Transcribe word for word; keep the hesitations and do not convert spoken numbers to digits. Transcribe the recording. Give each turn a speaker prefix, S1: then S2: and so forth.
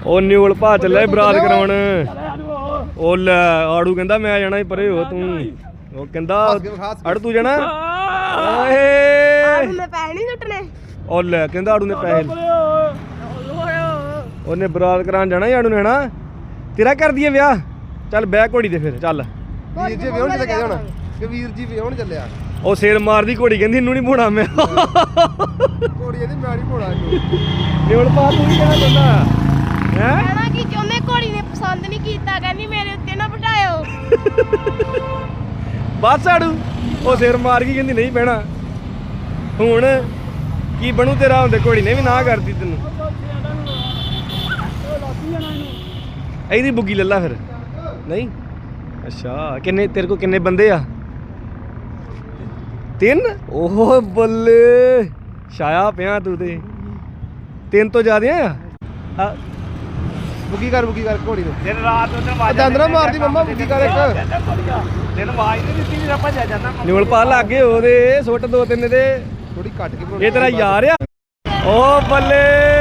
S1: ਉਹ ਨਿਊਲ ਭਾ ਚੱਲਿਆ ਬਰਾਤ ਕਰਾਉਣ। ਉਹ ਲੈ ਆੜੂ ਕਹਿੰਦਾ ਮੈਂ ਜਾਣਾ ਪਰੇ ਹੋ ਤੂੰ। ਉਹ ਕਹਿੰਦਾ ਅੜ ਤੂੰ ਜਾਣਾ ਓਏ
S2: ਮੈਂ ਪੈਸੇ ਨਹੀਂ ਸੁੱਟਣੇ।
S1: ਉਹ ਲੈ ਕਹਿੰਦਾ ਆੜੂ ਨੇ ਪੈਸੇ ਉਹਨੇ ਬਰਾਤ ਕਰਾਉਣ ਜਾਣਾ ਆੜੂ ਨੇ ਹਨਾ। ਤੇਰਾ ਕਰ ਦਈਏ ਵਿਆਹ। ਚੱਲ ਬਹਿ ਘੋੜੀ ਤੇ ਫਿਰ ਚੱਲ।
S3: ਵੀਰ ਜੀ ਵਿਆਹਣ ਚੱਲੇ ਹੁਣ ਕਿ ਵੀਰ ਜੀ ਵਿਆਹਣ ਚੱਲਿਆ।
S1: ਉਹ ਸਿਰ ਮਾਰਦੀ ਘੋੜੀ ਕਹਿੰਦੀ ਇਹਨੂੰ ਨਹੀਂ ਭੋਣਾ ਮੈਂ।
S3: ਘੋੜੀ ਇਹਦੀ ਮੈਂ ਨਹੀਂ ਭੋਣਾ ਇਹਨੂੰ।
S1: ਨਿਊਲ ਭਾ ਤੂੰ ਕੀ ਕਹਿਣਾ ਚਾਹੁੰਦਾ ਹੈ?
S2: ਕਹਿਣਾ ਕੀ ਚਾਹੁੰਦੇ ਘੋੜੀ ਨੇ ਪਸੰਦ ਨਹੀਂ ਕੀਤਾ ਕਹਿੰਦੀ ਮੇਰੇ ਉੱਤੇ ਨਾ ਬਿਠਾਇਓ।
S1: ਬਸ ਆੜੂ ਉਹ ਸਿਰ ਮਾਰ ਗਈ ਕਹਿੰਦੀ ਨਹੀਂ ਬਹਿਣਾ। ਹੁਣ ਕੀ ਬਣੂ ਤੇਰਾ ਹੁੰਦੇ ਘੋੜੀ ਨੇ ਵੀ ਨਾ ਕਰਦੀ ਤੈਨੂੰ। ਇਹਦੀ ਬੁੱਗੀ ਲੱਲਾ ਫਿਰ ਨਹੀਂ। ਅੱਛਾ ਕਿੰਨੇ ਤੇਰੇ ਕੋਲ ਕਿੰਨੇ ਬੰਦੇ ਆ? ਤਿੰਨ। ਓਹ ਬੱਲੇ ਛਾਇਆ ਪਿਆ ਤੂੰ ਤੇ। ਤਿੰਨ ਤੋਂ ਜ਼ਿਆਦਾ ਆ।
S3: ਬੁੱਗੀ ਕਰ ਬੁੱਗੀ ਕਰ ਘੋੜੀ ਨੂੰ।
S4: ਦਿਨ ਰਾਤ ਉਹਨੇ ਆਵਾਜ਼
S3: ਜਾਂਦਰਾ ਮਾਰਦੀ ਮੰਮਾ ਬੁੱਗੀ ਕਰ ਇੱਕ।
S4: ਦਿਨ ਆਵਾਜ਼ ਨਹੀਂ ਦਿੱਤੀ ਵੀ ਆਪਾਂ ਜਾ ਜਾਂਦਾ।
S1: ਨਿਊਲ ਭਾ ਲੱਗੇ ਉਹਦੇ ਸੁੱਟ ਦੋ ਤਿੰਨ ਦੇ।
S3: ਥੋੜੀ ਕੱਟ ਕੇ
S1: ਇਹ ਤੇਰਾ ਯਾਰ ਆ। ਓ ਬੱਲੇ